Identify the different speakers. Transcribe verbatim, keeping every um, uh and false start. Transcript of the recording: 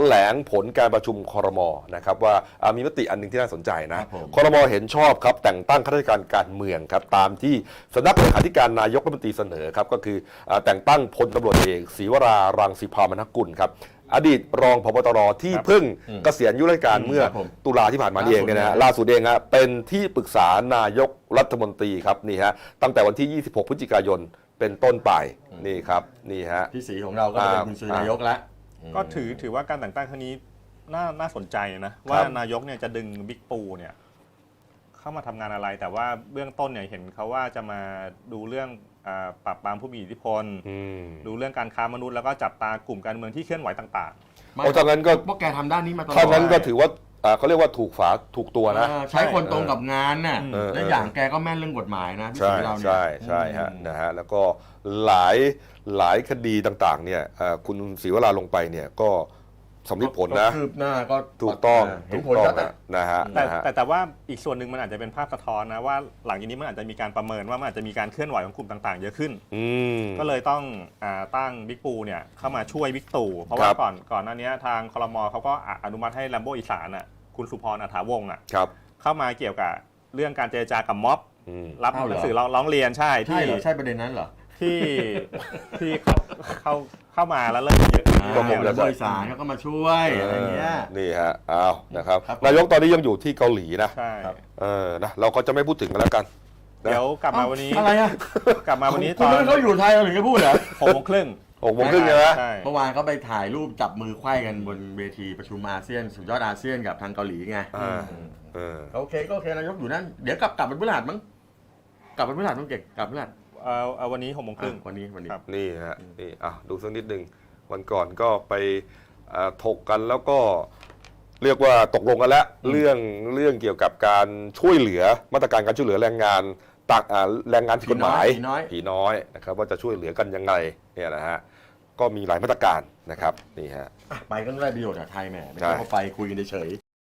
Speaker 1: ลงผลการประชุมครม.นะครับว่ามีมติอันหนึ่งที่น่าสนใจนะครม.เห็นชอบครับแต่งตั้งข้าราชการการเมืองครับตามที่สำนักเลขาธิการนายกรัฐมนตรีเสนอครับก็คือแต่งตั้งพลตำรวจเอกศรีวรารังสีพรามนกุลครับอดีตรองผบ.ตรที่เพิ่งเกษียณอายุราชการเมื่อตุลาที่ผ่านมาเองเนี่ยนะล่าสุดเองฮะเป็นที่ปรึกษานายกรัฐมนตรีครับนี่ฮะตั้งแต่วันที่ยี่สิบหกพฤศจิกายนเป็นต้นไปนี่ครับนี่ฮะ
Speaker 2: พี่ศรีของเราก็เป็นคุณศรีนายกแล้ว
Speaker 3: ก็ถือถือว่าการแต่งตั้งครั้งนี้น่าน่าสนใจนะว่านายกเนี่ยจะดึงบิ๊กปูเนี่ยเข้ามาทำงานอะไรแต่ว่าเบื้องต้นเนี่ยเห็นเขาว่าจะมาดูเรื่องปราบปรามผู้มีอิทธิพลดูเรื่องการค้ามนุษย์แล้วก็จับตากลุ่มการเมืองที่เคลื่อนไหวต่าง
Speaker 2: ๆโอ้ทางนั้นก็พวกแกทำด้านนี้มาตลอด
Speaker 1: ทางนั้นก็ถือว่าเขาเรียกว่าถูกฝาถูกตัวนะ
Speaker 2: ใช้คนตรงกับงานน่ะและอย่างแกก็แม่นเรื่องกฎหมายนะพี่ศรีเราเนี่ย
Speaker 1: ใช่ใช่ฮะนะฮะแล้วก็หลายหลายคดีต่างๆเนี่ยคุณศรีวราลงไปเนี่ยก็สำลิดผลนะ
Speaker 2: คืบหน้าก็
Speaker 1: ถูกต้องถูกต้องนะฮะ
Speaker 3: แต่แต่แต่ว่าอีกส่วนหนึ่งมันอาจจะเป็นภาพสะท้อนนะว่าหลังจากนี้มันอาจจะมีการประเมินว่ามันอาจจะมีการเคลื่อนไหวของกลุ่มต่างๆเยอะขึ้นก็เลยต้องตั้งบิ๊กปูเนี่ยเข้ามาช่วยบิ๊กตู่เพราะว่าก่อนก่อนหน้านี้ทางครม.เขาก็อนุมัติให้แลมโบอีสานอ่ะคุณสุพรอัฐาวงศ์อ่ะเข้ามาเกี่ยวกับเรื่องการเจรจากับม็อบรับหนังสือร้องเรียนใช่ที่
Speaker 2: ใช่ประเด็นนั้นเหรอ
Speaker 3: ที่ที่เขาเข้าเข้ามาแล้วเริ่มเยอะ
Speaker 2: ก็ผมจะบริษัทเขาก็มาช่วยอะไรเงี้ย
Speaker 1: นี่ฮะอ้าวนะครับนายกตอนนี้ยังอยู่ที่เกาหลีนะ
Speaker 3: ใช่
Speaker 1: เออนะเราก็จะไม่พูดถึงกันแล้วกัน
Speaker 3: เดี๋ยวกลับมาวันนี้
Speaker 2: อะไรอ่ะ
Speaker 3: กลับมาวันนี้
Speaker 2: ตอนเขาอยู่ไทยเราถึงจะพูดเหรอ
Speaker 3: หกโมงครึ่ง
Speaker 1: หกโมงครึ่งใช่ไหม
Speaker 2: เมื่อวานเขาไปถ่ายรูปจับมือไขว้กันบนเวทีประชุมอาเซียนสุดยอดอาเซียนกับทางเกาหลีไงโอเคก็โอเคนายกอยู่นั่นเดี๋ยวกลับกลับเป็นพฤหัสมั้งกลับเป็นพฤหัสต้องเก่งกลับพฤหัส
Speaker 3: เอาวันนี้หกโมงครึ่ง
Speaker 2: วันนี้วันนี้
Speaker 1: นี่ฮะนี่อ่ะดูสักนิดหนึ่งวันก่อนก็ไปถกกันแล้วก็เรียกว่าตกลงกันแล้วเรื่องเรื่องเกี่ยวกับการช่วยเหลือมาตรการการช่วยเหลือแรงงานตักแรงงานผิดกฎหมายผีน้อยนะครับว่าจะช่วยเหลือกันยังไงเนี่ยนะฮะก็มีหลายมาตรการนะครับนี่ฮะ
Speaker 2: ไปก็ได้ประโยชน์จากไทยแหมไม่ใช่เขาไปคุยกันเฉย